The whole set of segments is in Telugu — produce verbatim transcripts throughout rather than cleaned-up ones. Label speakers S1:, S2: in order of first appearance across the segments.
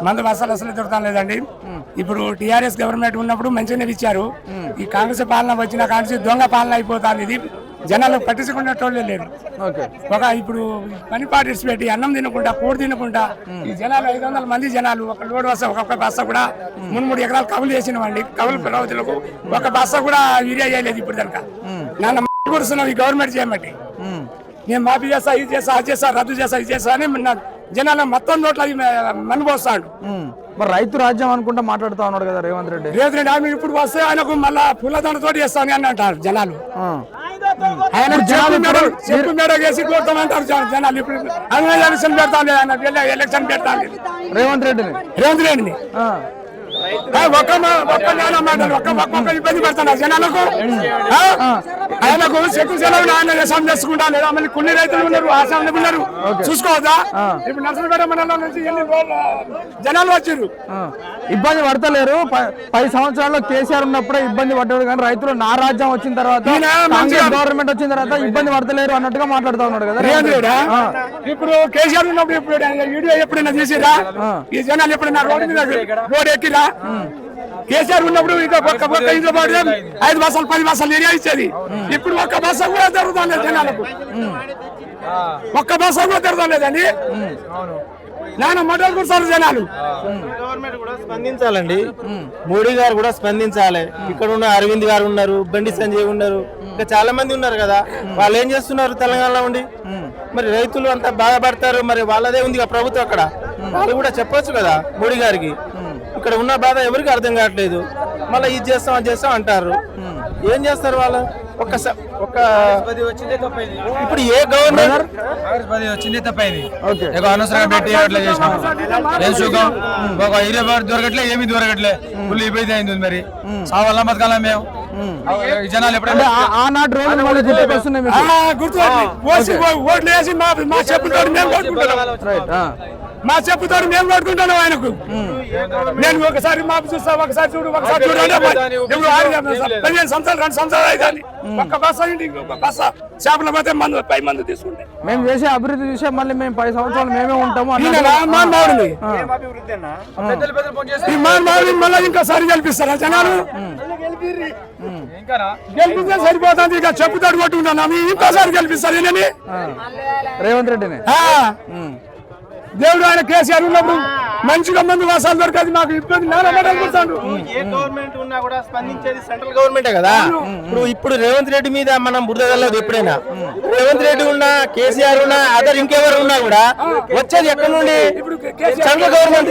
S1: మందు అసలు అసలు దొరకడం లేదండి. ఇప్పుడు టీఆర్ఎస్ గవర్నమెంట్ ఉన్నప్పుడు మంచిగానే ఇచ్చారు. ఈ కాంగ్రెస్ పాలన వచ్చిన కాంగ్రెస్ దొంగ పాలన అయిపోతుంది. ఇది జనాలు పట్టించుకునేటోళ్ళే లేరు. ఒక ఇప్పుడు పని పాటిస్ పెట్టి అన్నం తినకుండా కూడు తినకుండా ఈ జనాలు ఐదు వందల మంది జనాలు ఒక లోడ్ బస్స ఒక్కొక్క బస్స కూడా మూడు మూడు ఎకరాలు కవులు చేసిన వాడి కవులు ప్రవతులకు ఒక బస్స కూడా యూరియా చేయలేదు. ఇప్పుడు కనుక నాన్న కూర్చున్నాం ఈ గవర్నమెంట్ చేయమంటే నేను మాఫీ చేస్తా ఇది చేస్తా అది చేస్తా రద్దు చేస్తా ఇది చేస్తా అని జనాలు మొత్తం నోట్ల మనిపోస్తాడు.
S2: మరి రైతు రాజ్యం అనుకుంటా మాట్లాడుతా ఉన్నాడు కదా రేవంత్ రెడ్డి.
S1: రేవంత్ రెడ్డి ఆమె ఇప్పుడు వస్తే ఆయనకు మళ్ళా పూలదండ తోటి చేస్తాను అని అంటారు జనాలు. ఆయన చెప్పు మేడ వేసి కొడతామంటారు జనాలు. ఇప్పుడు ఎలక్షన్ పెడతాను ఆయన ఎలక్షన్ పెడతాను
S2: రేవంత్ రెడ్డిని
S1: రేవంత్ రెడ్డిని ఒక్క ఒక్క నెల మాటలు ఒక్క ఒక్క ఇబ్బంది పెడతాను జనాలకు. ఆయనకు చెక్కు సెలవులు ఆయన వ్యవసాయం చేసుకుంటా లేదా మళ్ళీ కొన్ని రైతులు ఉన్నారు ఆసాములు ఉన్నారు చూసుకోవద్దా. ఇప్పుడు నర్సంపేట మండలం నుంచి ఎన్ని జనాలు వచ్చారు
S2: ఇబ్బంది పడతలేరు. పది సంవత్సరాల్లో కేసీఆర్ ఉన్నప్పుడే ఇబ్బంది పడ్డాడు కానీ రైతులు నా రాజ్యం వచ్చిన తర్వాత గవర్నమెంట్ వచ్చిన తర్వాత ఇబ్బంది పడతలేరు అన్నట్టుగా మాట్లాడుతూ ఉన్నాడు కదా.
S1: ఇప్పుడు కేసీఆర్ ఉన్నప్పుడు ఇప్పుడు వీడియో ఎప్పుడైనా చేసిరా ఈ జనాలు ఎప్పుడైనా రోడ్డు మీద రోడ్ ఎక్కిరా. కేసీఆర్ ఉన్నప్పుడు ఇంకా ఒక్క ఒక్క ఇంట్లో పడితే ఐదు బస్సాలు పది బస్సాలు ఏరియా ఇచ్చేది. ఇప్పుడు ఒక్క బస్స కూడా జరుగుతాం లేదు జనాలకు. ఒక్క బస్స కూడా జరుగుతాం లేదండి. నాన్న మొదలు కూర్చోరు జనాలు.
S3: గవర్నమెంట్ కూడా స్పందించాలండి. మోడీ గారు కూడా స్పందించాలి. ఇక్కడ ఉన్న అరవింద్ గారు ఉన్నారు, బండి సంజయ్ ఉన్నారు, ఇంకా చాలా మంది ఉన్నారు కదా. వాళ్ళు ఏం చేస్తున్నారు తెలంగాణలో ఉండి? మరి రైతులు అంతా బాధపడతారు. మరి వాళ్ళదే ఉంది ప్రభుత్వం అక్కడ. వాళ్ళు కూడా చెప్పొచ్చు కదా మోడీ గారికి. ఇక్కడ ఉన్న బాధ ఎవరికి అర్థం కావట్లేదు. మళ్ళీ ఇది చేస్తాం అది చేస్తాం అంటారు. ఏం చేస్తారు వాళ్ళు? ఒక ఒక ఇప్పుడు ఏ గవర్నమెంట్
S4: వచ్చింది తప్పైంది అనవసరంగా పెట్టి అట్లా చేసినాం. ఏం సుఖం ఒక ఇరవై దొరకట్లే ఏమి దొరకట్లే ఫుల్ ఇబ్బంది అయింది. మరి సావాలా బతకాలా మేము జనాలు ఎప్పుడైనా
S2: ఆనాటి రోజులు
S1: గుర్తు ఓట్లు వేసి మా చెప్పుతాడు మేము కొట్టుకుంటున్నాం. మా చెప్పుతాడు మేము కొట్టుకుంటున్నాం ఆయనకు. నేను ఒకసారి మాపు చూస్తా ఒకసారి చూడు ఒకసారి చూడు పదిహేను సంవత్సరాలు రెండు సంవత్సరాలు అయితే ఒక్క బస్స ఇంకొక బస్స చేపల పోతే మందు పై మందు తీసుకుంటే
S2: మేము చేసే అభివృద్ధి చూసే మళ్ళీ మేము పది సంవత్సరాలు మేమే ఉంటాము.
S1: మళ్ళీ ఇంకోసారి గెలిపిస్తారా జనాలు? గెలిపిస్తే సరిపోతుంది. ఇక చెప్పుతాడు కొట్టుకుంటున్నాము ఇంకోసారి గెలిపిస్తారు నేనని
S2: రేవంత్ రెడ్డిని.
S1: దేవుడు ఆయన కేసీఆర్ ఉన్నప్పుడు మంచిగా మంది వాసాలు దొరకదు. మాకు ఇబ్బంది
S3: ఏ గవర్నమెంట్ ఉన్నా కూడా స్పందించేది సెంట్రల్ గవర్నమెంటే కదా. ఇప్పుడు ఇప్పుడు రేవంత్ రెడ్డి మీద మనం బురద వెళ్ళదు. ఎప్పుడైనా రేవంత్ రెడ్డి ఉన్నా కేసీఆర్ ఉన్నా అదర్ ఇంకెవరు ఉన్నా కూడా వచ్చేది ఎక్కడ నుండి? సెంట్రల్ గవర్నమెంట్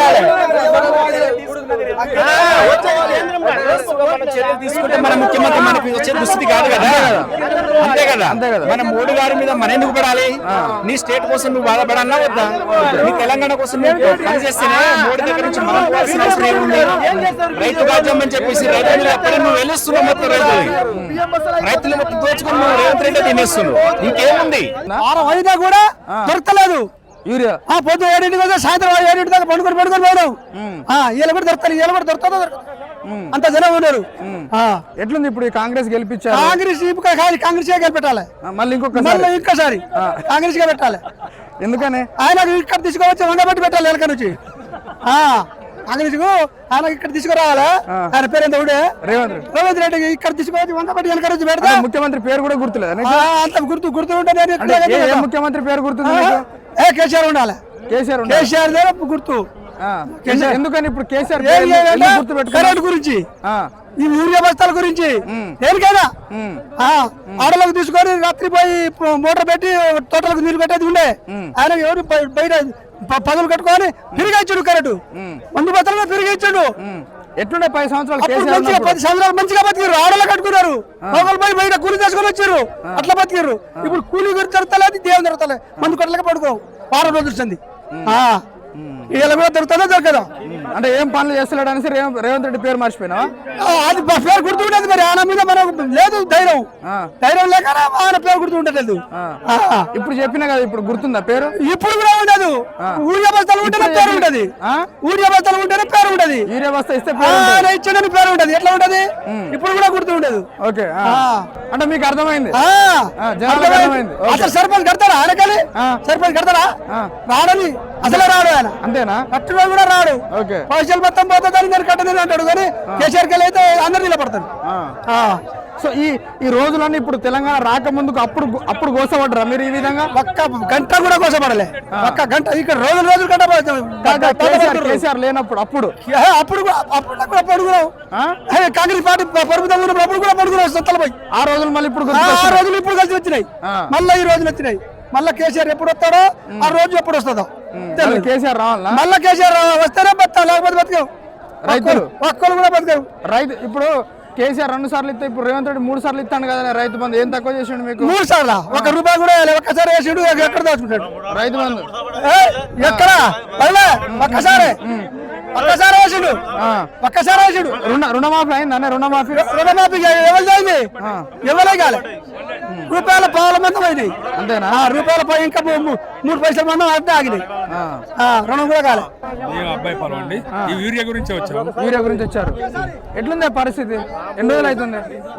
S3: తీసుకుంటే మన ముఖ్యమంత్రి మనకి వచ్చే దుస్థితి కాదు కదా. అంతే కదా అంతే కదా. మన మోడీ గారి మీద మన ఎందుకు పడాలి? నీ స్టేట్ కోసం నువ్వు బాధపడాలా వద్దా? నీ తెలంగాణ కోసం పనిచేస్తేనే మోడీ దగ్గర నుంచి మనం పోవాల్సిన అవసరం ఏముంది? రైతు రాజ్యం అని చెప్పేసి రైతులు ఎక్కడ నువ్వు వెళ్ళిస్తున్నావు మొత్తం రైతులు రైతులు మొత్తం దోచుకుని నువ్వు రేవంత్ రెడ్డి తినేస్తున్నావు. ఇంకేముంది?
S1: వారం అయినా కూడా దొరకలేదు యూరియా. పొద్దు ఏడింటి కదా సాయంత్రం ఏడింటి దాకా పండుకొని పండుకొని పోయినావు. వీళ్ళు కూడా దొరుకుతారు వీళ్ళు కూడా దొరుకుతుందో అంత జనం ఉన్నారు.
S2: ఎట్లుంది ఇప్పుడు కాంగ్రెస్ గెలిపించారు?
S1: కాంగ్రెస్ కాంగ్రెస్ గెలిపెట్టాలి.
S2: మళ్ళీ ఇంకొక
S1: మళ్ళీ ఇంకోసారి కాంగ్రెస్ గా పెట్టాలి.
S2: ఎందుకని?
S1: ఆయన ఇక్కడ తీసుకువచ్చి వంగబట్టి పెట్టాలి వెనక నుంచి. కాంగ్రెస్ కు ఆయన ఇక్కడ తీసుకురావాలా? ఆయన పేరు ఎంత ఉండే? రేవంత్ రెడ్డి. రేవంత్ రెడ్డి ఇక్కడ తీసుకువచ్చి వంగబట్టి వెనక నుంచి పెడతా.
S2: ముఖ్యమంత్రి పేరు కూడా గుర్తులేదు.
S1: అంత గుర్తు గుర్తు ఉంటుంది.
S2: ముఖ్యమంత్రి పేరు గుర్తుంది?
S1: ఏ కేసీఆర్ ఉండాలి.
S2: కేసీఆర్
S1: కేసీఆర్ గుర్తు.
S2: ఎందుకని ఇప్పుడు కేసీఆర్
S1: కరెంట్ గురించి ఈ యూరియా బస్తాల గురించి దేనికైనా ఆడలకు తీసుకొని రాత్రి పోయి మోటార్ పెట్టి తోటలకు నీళ్లు పెట్టేది ఉండే. ఆయన ఎవరు బయట పదులు కట్టుకొని తిరిగి ఇచ్చాడు కరెంటు. మందు బస్తాలు తిరిగి ఇచ్చాడు.
S2: ఎట్లుండే పది సంవత్సరాలు
S1: పది సంవత్సరాలు మంచిగా బతికారు. ఆడలు కట్టుకున్నారు. ఒకరు పోయి బయట కూలి చేసుకొని వచ్చారు. అట్లా బతికారు. ఇప్పుడు కూలి గురించి జరుగుతలేదు దేవుని జరుగుతలే. మందు కొట్టలేక పడుకో వారం రోజులు వచ్చింది. ఇలా కూడా దొరుకుతుందో దొరకదా?
S2: అంటే ఏం పనులు చేస్తలేడు అనేసి రేవంత్ రెడ్డి పేరు మర్చిపోయినా?
S1: అది పేరు గుర్తుండేది. మరి ఆయన మీద మనకు లేదు ధైర్యం. ధైర్యం లేక ఆయన పేరు గుర్తుండలేదు.
S2: ఇప్పుడు చెప్పినా కదా, ఇప్పుడు గుర్తుందా పేరు?
S1: ఇప్పుడు కూడా ఉండదు. ఊరియా బస్తాలు ఉంటేనే పేరు ఉంటది. ఊరియా బస్తాలు ఉంటేనే పేరు ఉంటది.
S2: యూరియా బస్తా ఇస్తే
S1: ఇచ్చేదని పేరు ఉంటది. ఎట్లా ఉంటది? ఇప్పుడు కూడా గుర్తు ఉండదు.
S2: ఓకే, అంటే మీకు అర్థమైంది.
S1: అసలు సర్పంచ్ కడతారా? ఆయనకాలి సర్పంచ్ కడతారా? రాడని అసలు రాడు ఆయన,
S2: అంతేనా?
S1: కట్టులో కూడా రాడు.
S2: ఓకే.
S1: పైసలు మొత్తం పోతుందని నేను కట్టలేదు అంటాడు, కానీ కేసీఆర్ కి అయితే అందరు నిలబడతాడు. ఆ.
S2: సో ఈ ఈ రోజులన్నీ ఇప్పుడు తెలంగాణ రాకముందుకు అప్పుడు అప్పుడు గోసపడ్డరా మీరు ఈ విధంగా?
S1: ఒక్క గంట కూడా కోసపడలే, ఒక్క గంట ఇక్కడ రోజులు రోజులు గంట
S2: కాదా, కేసీఆర్ కేసీఆర్ లేనప్పుడు అప్పుడు
S1: అప్పుడు కూడా అప్పుడు కూడా పడుకున్నావు. కాంగ్రెస్ పార్టీ ప్రభుత్వం ఉన్నప్పుడు అప్పుడు కూడా పడుకున్నావు సత్తలు పోయి.
S2: ఆ రోజులు మళ్ళీ ఇప్పుడు
S1: ఆ
S2: గుర్తుకొస్తున్నాయి.
S1: రోజులు ఇప్పుడు కలిసి వచ్చినాయి, మళ్ళీ ఈ రోజులు వచ్చినాయి. మళ్ళీ కేసీఆర్ ఎప్పుడు వస్తాడో ఆ రోజు ఎప్పుడు వస్తుందో
S2: మళ్ళీ కేసీఆర్ రావాలా?
S1: మళ్ళీ కేసీఆర్ వస్తేనే బతాం, లేకపోతే బతకవు.
S2: రైతులు
S1: ఒక్కరు కూడా బతకవు.
S2: రైతు ఇప్పుడు కేసీఆర్ రెండు సార్లు ఇస్తే ఇప్పుడు రేవంత్ రెడ్డి మూడు సార్లు ఇస్తాను కదా రైతు బంధు, ఏం తక్కువ చేసిండు మీకు?
S1: మూడు సార్లు ఒక రూపాయి కూడా వేయలే, ఒక్కసారి వేసిండు, ఎక్కడ దాచుకుంటాడు
S2: రైతు బంధు?
S1: ఎక్కడ పడలే, ఒక్కసారి ఒక్కసారి వేసిండు, ఒక్కసారి వేసిండు.
S2: రుణ రుణమాఫీ అయింది అన్న, రుణమాఫీ
S1: రుణమాఫీ ఎవరు అయింది? ఎవరే కాలే. రూపాయల పావుల మందం పోయినాయి,
S2: అంతేనా?
S1: రూపాయల పై ఇంకా మూ- మూడు పైసల మందం అంతే ఆగినాయి. ఆ, రుణం కూడా కాలే.
S5: మేము అబ్బాయి పొలం అండి, ఈ యూరియా గురించి వచ్చాము.
S2: వీడియో గురించి వచ్చారు. ఎట్లుంది పరిస్థితి? ఎన్ని రోజులు అవుతుంది?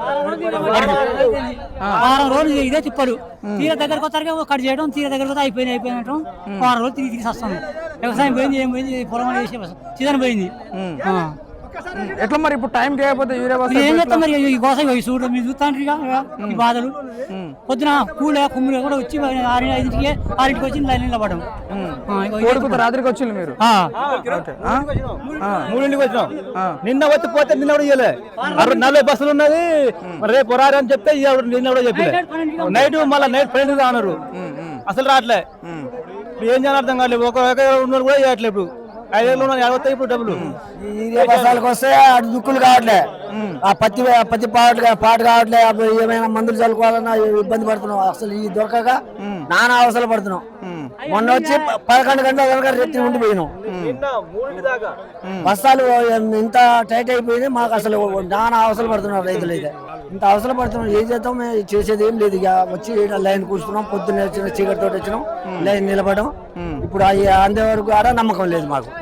S6: వారం రోజులు ఇదే తిప్పలు. తీర దగ్గరకు వస్తారు కట్ చేయడం, తీర దగ్గరకు వస్తే అయిపోయింది అయిపోయినట్టు వారం రోజులు తిరిగి తిరిగి వస్తాను. వ్యవసాయం పోయింది, ఏం పోయింది, పొలం వేసి సీజన్ పోయింది. ఆ.
S2: ఎట్లా మరి ఇప్పుడు టైం చేయకపోతే యూరియా బస్తా
S6: ఏం చేస్తాం మరి, ఈ కోసం ఈ చూడడం మీరు చూస్తాను ఈ బాధలు. పొద్దున కూల కుమ్ములు కూడా వచ్చి ఆరు ఐదింటికి ఆరింటికి వచ్చి లైన్ నిలబడడం.
S2: కోడుకుత రాత్రికి వచ్చింది మీరు?
S3: మూడింటికి వచ్చినాం. నిన్న వచ్చి పోతే నిన్న కూడా ఇవ్వలే, నలభై బస్సులు ఉన్నది, రేపు రారు అని చెప్తే ఇయ్య- నిన్న కూడా చెప్పలే. నైట్ మళ్ళీ నైట్ ఫ్రెండ్ అన్నారు, అసలు రావట్లే. ఇప్పుడు ఏం చేయాలి అర్థం కాలేదు. ఒక ఉన్న కూడా చేయట్లేదు. ఇప్పుడు ఐదేళ్ళు అడగతాయి ఇప్పుడు డబ్బులు.
S1: బస్సాలకు వస్తే అటు దుక్కులు కావట్లే, ఆ పత్తి పత్తి పాటు పాటు కావట్లే, అప్పుడు ఏమైనా మందులు చల్లుకోవాలన్నా ఇబ్బంది పడుతున్నాం. అసలు ఈ దొరకక నానా అవసరం పడుతున్నాం. మొన్న వచ్చి ప- పదకొండు గంటల కనుక రెత్తి ఉండిపోయినాం. బస్తాలు ఇంత టైట్ అయిపోయింది మాకు, అసలు నానా అవసరం పడుతున్నారు రైతులు. అయితే ఇంత అవసరం పడుతున్నాం, ఏం చేద్దాం, మేము చేసేది ఏం లేదు. ఇక వచ్చి ఈడ లైన్ కూర్చున్నాం, పొద్దున్నే వచ్చిన చీకటి తోటి వచ్చినాం, లైన్ నిలబడడం. ఇప్పుడు అవి అందే వరకు ఆడ నమ్మకం లేదు మాకు.